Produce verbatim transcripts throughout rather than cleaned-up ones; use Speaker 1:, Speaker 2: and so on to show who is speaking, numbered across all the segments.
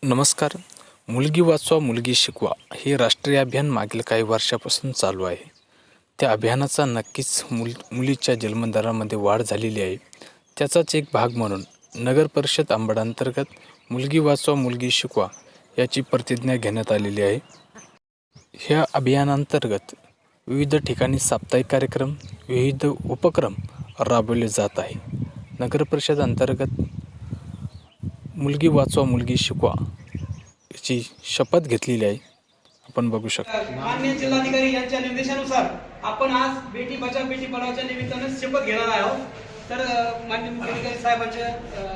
Speaker 1: नमस्कार. मुलगी वाचवा मुलगी शिकवा हे राष्ट्रीय अभियान मागील काही वर्षापासून चालू आहे. त्या अभियानाचा नक्कीच मुल मुलीच्या जन्मदरामध्ये वाढ झालेली आहे. त्याचाच एक भाग म्हणून नगर परिषद अंबड अंतर्गत मुलगी वाचवा मुलगी शिकवा याची प्रतिज्ञा घेण्यात आलेली आहे. ह्या अभियानांतर्गत विविध ठिकाणी साप्ताहिक कार्यक्रम, विविध उपक्रम राबवले जात आहे. नगर परिषद अंतर्गत मुलगी वाचवा मुलगी शिकवा याची शपथ घेतलेली आहे. आपण बघू शकता.
Speaker 2: माननीय जिल्हाधिकारी यांच्या निर्देशानुसार आपण आज बेटी बचाव बेटी पढाओच्या निमित्ताने शपथ घेणार आहोत. तर माननीय मुख्याधिकारी साहेबांच्या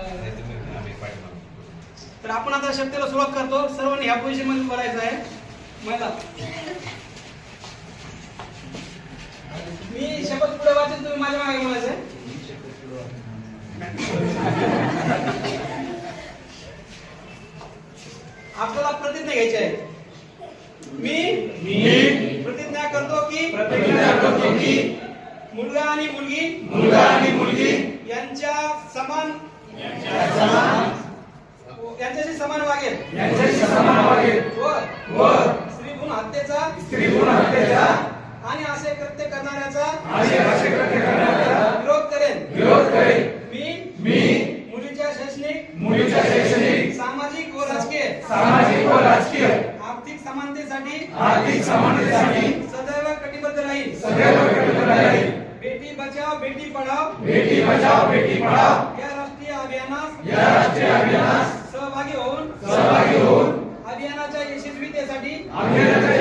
Speaker 2: तर आपण आता शपथेला सुरुवात करतो. सर्वांनी ह्या पोझिशन मध्ये बोलायचं आहे. महिला मी शपथ पुढे वाचेन, तुम्ही माझ्या मागे बोलायचं आहे. आपल्याला प्रतिज्ञा घ्यायची आहे. मी मी प्रतिज्ञा करतो की प्रतिज्ञा करतो की मुलगा आणि मुलगी मुलगा आणि मुलगी यांच्या समान यांच्या समान यांच्याशी समान वागेल यांच्याशी समान वागेल व व स्त्री भ्रूण हत्येचा स्त्री भ्रूण हत्येचा आणि असे कृत्य करणाऱ्याचा आणि असे कृत्य करणाऱ्याचा विरोध करेल विरोध करेल. मी मी मुलीच्या शैक्षणिक मुलीच्या शैक्षणिक सामाजिक व राजकीय सामाजिक व राजकीय आर्थिक समानतेसाठी आर्थिक समानतेसाठी सदैव कटिबद्ध राहील सदैव कटिबद्ध राहील. बेटी बचाओ बेटी पढाओ बेटी बचाओ बेटी पढाओ या राष्ट्रीय अभियानास या राष्ट्रीय अभियानास सहभागी होऊन सहभागी होऊन अभियानाच्या यशस्वीतेसाठी अभियानाच्या